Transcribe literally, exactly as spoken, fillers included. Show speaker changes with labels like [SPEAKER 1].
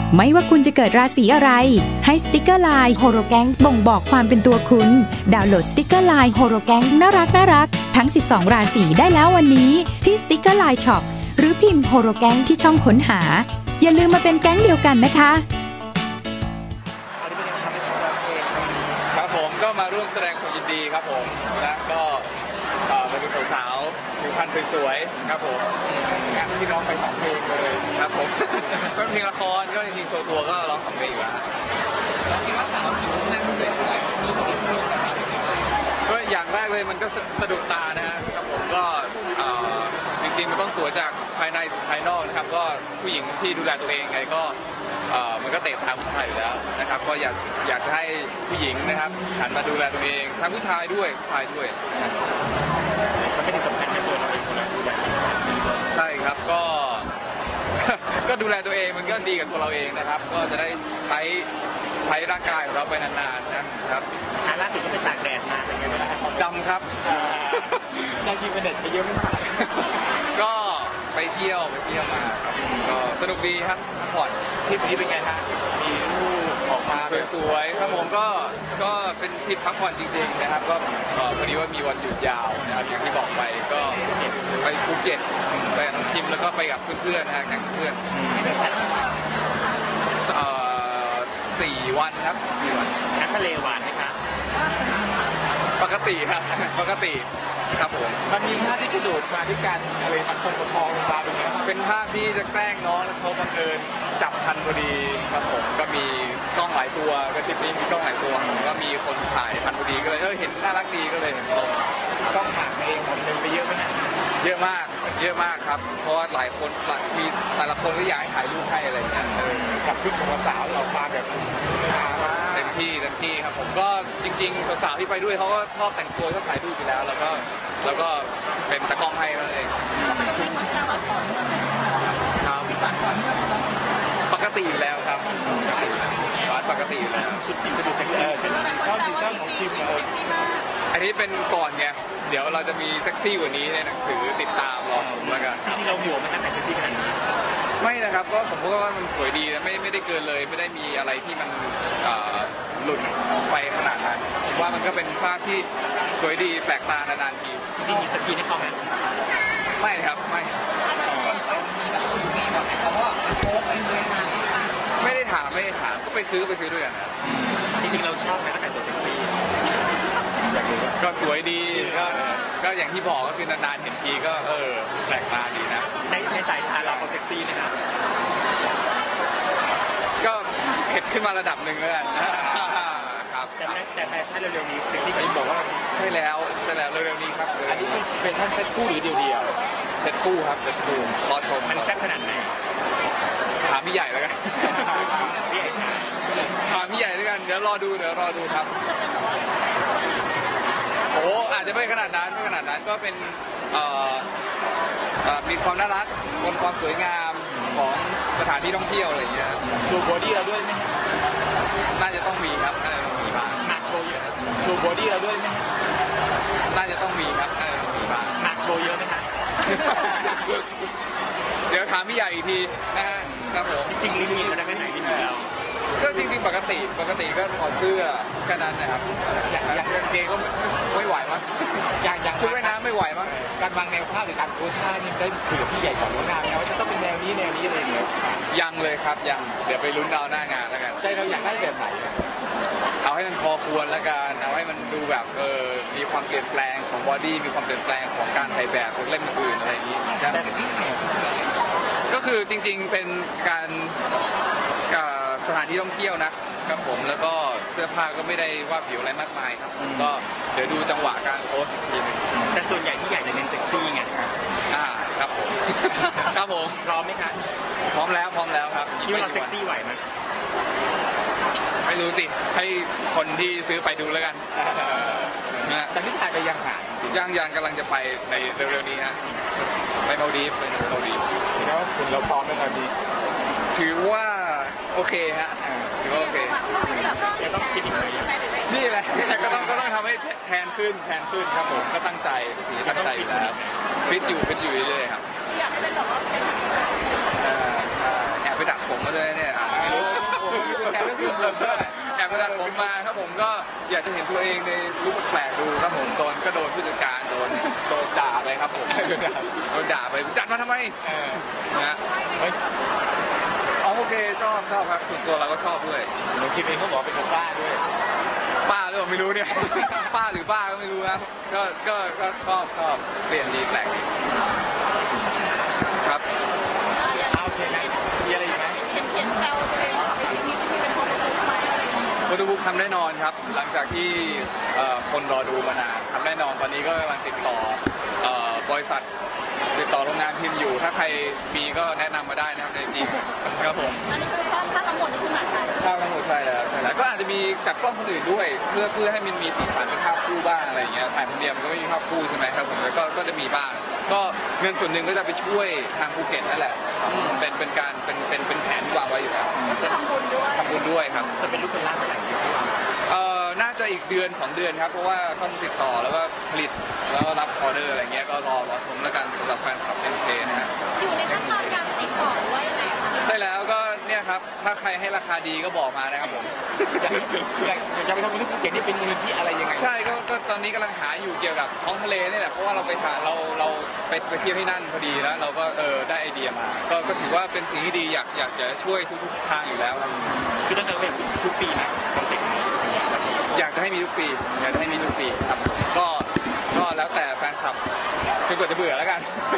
[SPEAKER 1] ไม่ว่าคุณจะเกิดราศีอะไรให้สติกเกอร์ไลน์โฮโรแกงบ่งบอกความเป็นตัวคุณดาวน์โหลดสติกเกอร์ไลน์โฮโรแกงน่ารักน่ารักทั้งสิบสองราศีได้แล้ววันนี้ที่สติกเกอร์ไลน์ช็อปหรือพิมพ์โฮโรแกงที่ช่องค้นหาอย่าลืมมาเป็นแก๊งเดียวกันนะคะ
[SPEAKER 2] ครับผมก็มาร่วมแสดงความยินดีครับผมและก็มาดูสาวๆผิวพรรณสวยๆครับผมงานที่ร้องไปสองเพลงเลยครับผมก็เพลงละครก็จริงๆโชว์ตัวก็ร้องสองเพลงอยู่แล้วแล้วคิดว่าสาวผิวพรรณสวยๆมีตัวพูดกับเราก็อย่างแรกเลยมันก็สะดุดตานะครับผมก็จริงๆมันต้องสวยจากภายในสู่ภายนอกนะครับก็ผู้หญิงที่ดูแลตัวเองไงก็มันก็เตะตาผู้ชายอยู่แล้วนะครับก็อยากอยากจะให้ผู้หญิงนะครับหันมาดูแลตัวเองทั้งผู้ชายด้วยผู้ชายด้วยมันไม่ได้สำคัญแค่ตัวเราเองนะใช่ครับก็ก็ดูแลตัวเองมันก็ดีกับตัวเราเองนะครับก็จะได้ใช้ใช้ร่างกายของเราไปนานๆนะครับอันล่าสุดก็ไปตากแดดมาเป็นไงบ้างครับดำครับใจกินเป็นเด็ดไปเยอะมากก็ไปเที่ยวไปเที่ยวมาครับก็สนุกดีครับพักผ่อนทริปนี้เป็นไงฮะมีรูปออกมาสวยๆครับผมก็ก็เป็นทริปพักผ่อนจริงๆนะครับก็พอดีว่ามีวันหยุดยาวนะครับอย่างที่บอกไปก็ไปภูเก็ตไปกับน้องคิมแล้วก็ไปกับเพื่อนๆนะแก๊งเพื่อนสี่วันครับสี่วันน้ำทะเลหวานไหมครับปกติครับปกติครับผมมันมีภาพที่กระโดดมาด้วยกันอะไรมันคงประคองลงมาเป็นไงเป็นภาพที่จะแกล้งน้องแล้วเขาบังเอิญจับทันพอดีครับผมก็มีกล้องหลายตัวก็ทริปนี้มีกล้องหลายตัวก็มีคนถ่ายทันพอดีก็เลยเออเห็นน่ารักดีก็เลยเห็นตรงกล้องถ่ายเองหมดเลยไปเยอะไหมนะเยอะมากเยอะมากครับเพราะว่าหลายคนมีแต่ละคนก็อยากให้ถ่ายรูปให้อะไรเงี้ยกับชุดของสาวออกมาแบบเต็มที่เต็มที่ครับผมก็จริงๆสาวๆที่ไปด้วยเขาก็ชอบแต่งตัวชอบถ่ายรูปอยู่แล้วแล้วก็แล้วก็เป็นตะกล้องให้นั่นเองช่วงนี้คนชอบแบบต่อเนื่องครับที่ปัดต่อเนื่องเลยปกติอยู่แล้วครับวัดปกติอยู่แล้วชุดทีมก็ดูเซ็กซี่ชุดสีส้มสีส้มของทีมเลยอันนี้เป็นก่อนไงเดี๋ยวเราจะมีเซ็กซี่กว่านี้ในหนังสือติดตามรอชมแล้วกันจริงๆเราหัวมันจะแต่งเซ็กซี่ขนาดนี้ไม่นะครับก็ผมว่ามันสวยดีนะไม่ไม่ได้เกินเลยไม่ได้มีอะไรที่มันหลุดไปขนาดนั้นผมว่ามันก็เป็นภาพที่สวยดีแปลกตานานๆทีจริงมีสกีให้เขาไหมไม่ครับไม่ไม่ได้ถามไม่ได้ถามก็ไปซื้อไปซื้อด้วยกันจริงๆเราชอบไหมแต่งตัวเซ็กซี่ก็สวยดีก็ก็อย่างที่บอกก็คือนานๆเห็นทีก็เออแปลกตาดีนะในในสายตาเราเขาเซ็กซี่นะครับก็เห็นขึ้นมาระดับหนึ่งแล้วกันครับแต่แต่แฟชั่นเร็วๆนี้เซ็กซี่ที่บอกว่าใช่แล้วใช่แล้วเร็วๆนี้ครับอันนี้เป็นแฟชั่นเซ็ตคู่หรือเดียวๆเซ็ตคู่ครับเซ็ตคู่รอชมมันแซ่บขนาดไหนถามพี่ใหญ่แล้วกันพี่ใหญ่ถามพี่ใหญ่แล้วกันเดี๋ยวรอดูเดี๋ยวรอดูครับโอ้อาจจะไม่ขนาดนั้นไม่ขนาดนั้นก็เป็นมีความน่ารักบนความสวยงามของสถานที่ท่องเที่ยวอะไรอย่างเงี้ยโชว์บอดี้เราด้วยไหมน่าจะต้องมีครับน่าจะต้องมีบ้างหนักโชว์เยอะโชว์บอดี้เราด้วยไหมน่าจะต้องมีครับน่าจะต้องมีบ้างหนักโชว์เยอะไหมครับเดี๋ยวถามพี่ใหญ่อีกทีนะฮะครับผมจริงๆลิมิตมันได้แค่ไหนลิมิตแล้วก็จริงๆปกติปกติก็ถอดเสื้อแค่นั้นนะครับอย่างอย่างเกงก็ไม่ไหวมั้งอย่างอย่างชุดว่ายน้ำไม่ไหวมั้งการวางแนวภาพหรือการโพสท่านี่ได้คุยกับพี่ใหญ่ก่อนล่วงหน้าไหมว่าจะต้องเป็นแนวนี้แนวนี้อะไรอย่างเงี้ยยังเลยครับยังเดี๋ยวไปลุ้นดาวหน้างานแล้วกันใจเราอยากได้แบบไหนเอาให้มันพอควรแล้วกันเอาให้มันดูแบบเออมีความเปลี่ยนแปลงของบอดี้มีความเปลี่ยนแปลงของการถ่ายแบบของเล่นอื่นอะไรอย่างนี้ก็คือจริงๆเป็นการสถานที่ท่องเที่ยวนะครับผมแล้วก็เสื้อผ้าก็ไม่ได้ว่าผิวอะไรมากมายครับก็เดี๋ยวดูจังหวะการโพสอีกทีนึงแต่ส่วนใหญ่ที่ใหญ่จะเน้นเซ็กซี่ไงอ่าครับผมครับผมพร้อมไหมครับพร้อมแล้วพร้อมแล้วครับคิดว่าเราเซ็กซี่ไหวไหมไม่รู้สิให้คนที่ซื้อไปดูแล้วกันนะแต่นี่ถ่ายไปยังหายังยังกำลังจะไปในเร็วๆนี้ฮะไปมาดีฟไปมาดีฟแล้วคุณเราพร้อมไหมตอนนี้ถือว่าโอเคฮะถือว่าโอเคจะต้องคิดอีกหน่อยนี่แหละก็ต้องก็ต้องทำให้แทนขึ้นแทนขึ้นครับผมก็ตั้งใจสีตั้งใจอยู่แล้วฟิตอยู่ฟิตอยู่เรื่อยๆครับอยากให้เป็นแบบว่าแอบไปดักผมมาด้วยเนี่ยไม่รู้อยากจะเห็นตัวเองในรูปแปลกดูครับผมโดนก็โดนผู้จัดการโดนโดนด่าไปครับผมโดนด่าไปจัดมาทำไมนะฮะอ๋อโอเคชอบชอบครับส่วนตัวเราก็ชอบด้วย
[SPEAKER 3] หนูคิดเองเขาบอกเป็นคนบ้าด้วย
[SPEAKER 2] ป้าหรือเปล่าไม่รู้เนี่ย ป้าหรือป้าก็ไม่รู้นะก็ก็ก็ชอบชอบเปลี่ยนดีแปลกดีครับ
[SPEAKER 3] เอาโอเคนะมีอะไรอีกไหม
[SPEAKER 2] โฟโต้บุ๊กทำแน่นอนครับหลังจากที่เอ่อคนรอดูมานานทำแน่นอนตอนนี้ก็กำลังติดต่อเอ่อบริษัทติดต่อโรงงานพิมพ์อยู่ ถ้าใครมีก็แนะนำมาได้นะครับในจีนครับผม
[SPEAKER 4] อันนี้คือภาพภาพทั้งหมดนี่คือหนังไทย
[SPEAKER 2] ภาพทั้งหมดใช่แล้วใช่แล้วก็อาจจะมีจัดกล้องคนอื่นด้วย เพื่อเพื่อให้มันมีสีสันเป็นภาพคู่บ้างอะไรอย่างเงี้ยถ่ายคนเดียวมันก็ไม่มีภาพคู่ใช่ไหมครับผมแล้วก็ก็จะมีบ้างก็เงินส่วนหนึ่งก็จะไปช่วยทางภูเก็ตนั่นแหละอืมเป็นเป็นการเป็นเป็นเป็นแผนที่วางไว้อยู่แล้ว
[SPEAKER 4] คือทำบุญด้วย
[SPEAKER 2] ทำบุญด้วยครับ
[SPEAKER 3] จะเป็นลูกเป็นร่างเป็นอะไรจริง
[SPEAKER 2] เอ่อน่าจะอีกเดือนสองเดือนครับเพราะว่าต้องติดต่อแล้วก็ผลิตแล้วก็รับออเดอร์อะไรเงี้ยก็รอรอชมแล้วกันสำหรับแฟนคลับ เอ็น เค นะฮะ
[SPEAKER 4] อยู่ในขั้นตอนการติดต่อหรือว่ายังไงคะ
[SPEAKER 2] ใช่แล้วก็เนี่ยครับถ้าใครให้ราคาดีก็บอกมานะครับผม
[SPEAKER 3] อยากอยากจะไปทำเป็นลูกภูเก็ตนี่เป็นมูลนิธิอะไรยังไง
[SPEAKER 2] ใช่ก็ก็ตอนนี้กำลังหาอยู่เกี่ยวกับท้องทะเลนี่แหละเพราะว่าเราไปหาเราเราไปไปเที่ยวที่นั่นพอดีแล้วเราก็เออได้ไอเดียมาก็ก็ถือว่าเป็นสิ่งที่ดีอยากอยากจะช่วยทุกๆทางอยู่แล้วครับ
[SPEAKER 3] คือต้องจะเป็นทุกปีนะคอนเซ็ปต์นี้
[SPEAKER 2] อยากจะให้มีทุกปีอยากจะให้มีทุกปีครับก็ก็แล้วแต่แฟนคลับจนกว่าจะเบื่อแล้วกัน